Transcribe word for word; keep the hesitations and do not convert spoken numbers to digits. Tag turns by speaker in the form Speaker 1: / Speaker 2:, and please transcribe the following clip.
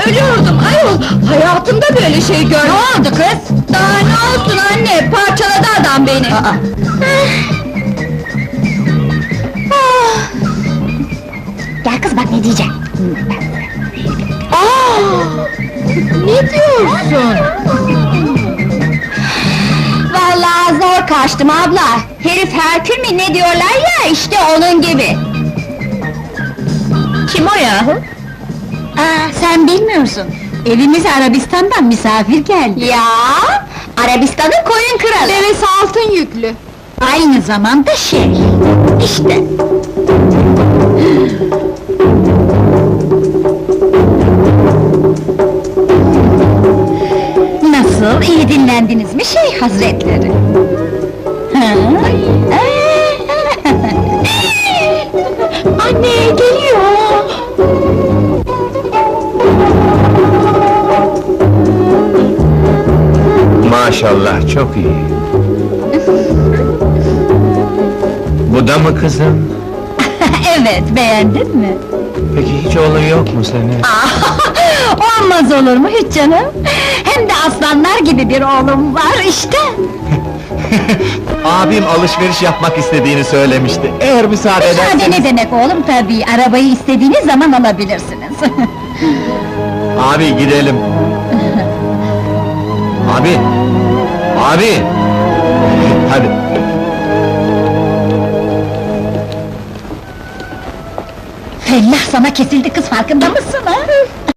Speaker 1: ölüyordum ayol! Hayatımda böyle şey görmedim!
Speaker 2: Ne oldu kız?
Speaker 1: Daha ne olsun anne, parçaladı adam beni!
Speaker 2: Aa!
Speaker 1: Ah!
Speaker 2: Gel kız bak ne diyeceğim.
Speaker 1: Aa! Ne diyorsun?
Speaker 2: Vallahi zor kaçtım abla. Herif Herkül mü ne diyorlar ya, işte onun gibi.
Speaker 1: Kim o yahu?
Speaker 2: Aa, sen bilmiyorsun. Evimize Arabistan'dan misafir geldi. Ya, Arabistan'ın koyun kralı.
Speaker 1: Devesi altın yüklü!
Speaker 2: Aynı zamanda şey, işte. Nasıl, iyi dinlendiniz mi şey hazretleri? Ha?
Speaker 1: Anne, geliyor!
Speaker 3: Maşallah, çok iyi. Bu da mı kızım?
Speaker 2: Evet, beğendin mi?
Speaker 3: Peki hiç oğlun yok mu senin?
Speaker 2: Olmaz olur mu hiç canım? Hem de aslanlar gibi bir oğlum var işte.
Speaker 3: Abim alışveriş yapmak istediğini söylemişti. Eğer müsaade
Speaker 2: Müsaade
Speaker 3: ederseniz...
Speaker 2: ne demek oğlum tabii, arabayı istediğiniz zaman alabilirsiniz.
Speaker 3: Abi gidelim. Abi! Abi! Hadi.
Speaker 2: Fellah sana kesildi kız, farkında mısın ha?